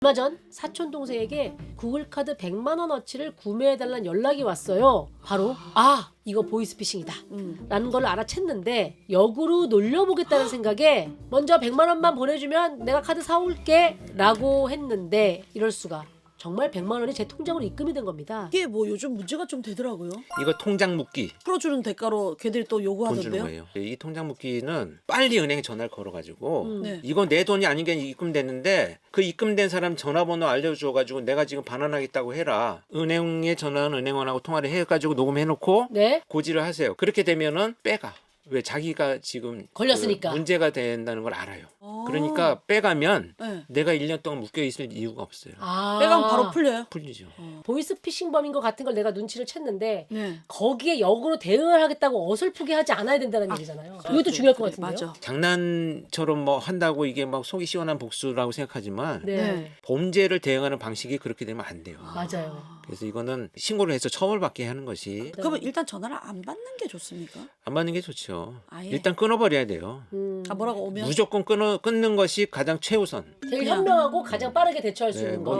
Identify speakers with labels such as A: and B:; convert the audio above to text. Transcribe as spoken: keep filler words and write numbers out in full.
A: 얼마 전 사촌 동생에게 구글카드 백만 원어치를 구매해달라는 연락이 왔어요. 바로 아 이거 보이스피싱이다
B: 음.
A: 라는 걸 알아챘는데 역으로 놀려보겠다는 생각에 먼저 백만 원만 보내주면 내가 카드 사올게 라고 했는데 이럴 수가. 정말 백만 원이 제 통장으로 입금이 된 겁니다.
B: 이게 뭐 요즘 문제가 좀 되더라고요.
C: 이거 통장 묶기
B: 풀어주는 대가로 걔들이 또
C: 돈 주는
B: 요구하던데요.
C: 거예요. 이 통장 묶기는 빨리 은행에 전화를 걸어가지고
A: 음.
B: 네.
C: 이건 내 돈이 아닌 게 입금됐는데 그 입금된 사람 전화번호 알려줘가지고 내가 지금 반환하겠다고 해라. 은행에 전화는 은행원하고 통화를 해가지고 녹음해놓고
A: 네.
C: 고지를 하세요. 그렇게 되면은 빼가. 왜 자기가 지금
A: 걸렸으니까.
C: 그 문제가 된다는 걸 알아요.
B: 아.
C: 그러니까 빼가면
B: 네.
C: 내가 일 년 동안 묶여 있을 이유가 없어요.
A: 아.
B: 빼가면 바로 풀려요.
C: 풀리죠.
A: 보이스피싱범인 것 같은 걸 내가 눈치를 챘는데
B: 네.
A: 거기에 역으로 대응을 하겠다고 어설프게 하지 않아야 된다는 얘기잖아요. 이것도 중요할 것
B: 그래,
A: 같은데요.
B: 맞아.
C: 장난처럼 뭐 한다고 이게 막 속이 시원한 복수라고 생각하지만
A: 네.
B: 네.
C: 범죄를 대응하는 방식이 그렇게 되면 안 돼요.
A: 맞아요.
C: 그래서 이거는 신고를 해서 처벌받게 하는 것이
B: 그러면 일단 전화를 안 받는 게 좋습니까?
C: 안 받는 게 좋죠.
B: 아예?
C: 일단 끊어버려야 돼요.
A: 음,
B: 아 뭐라고 오면
C: 무조건 끊어, 끊는 것이 가장 최우선.
A: 제일
B: 그냥.
A: 현명하고 가장 빠르게 대처할 수
C: 네,
A: 있는
C: 뭐
A: 거.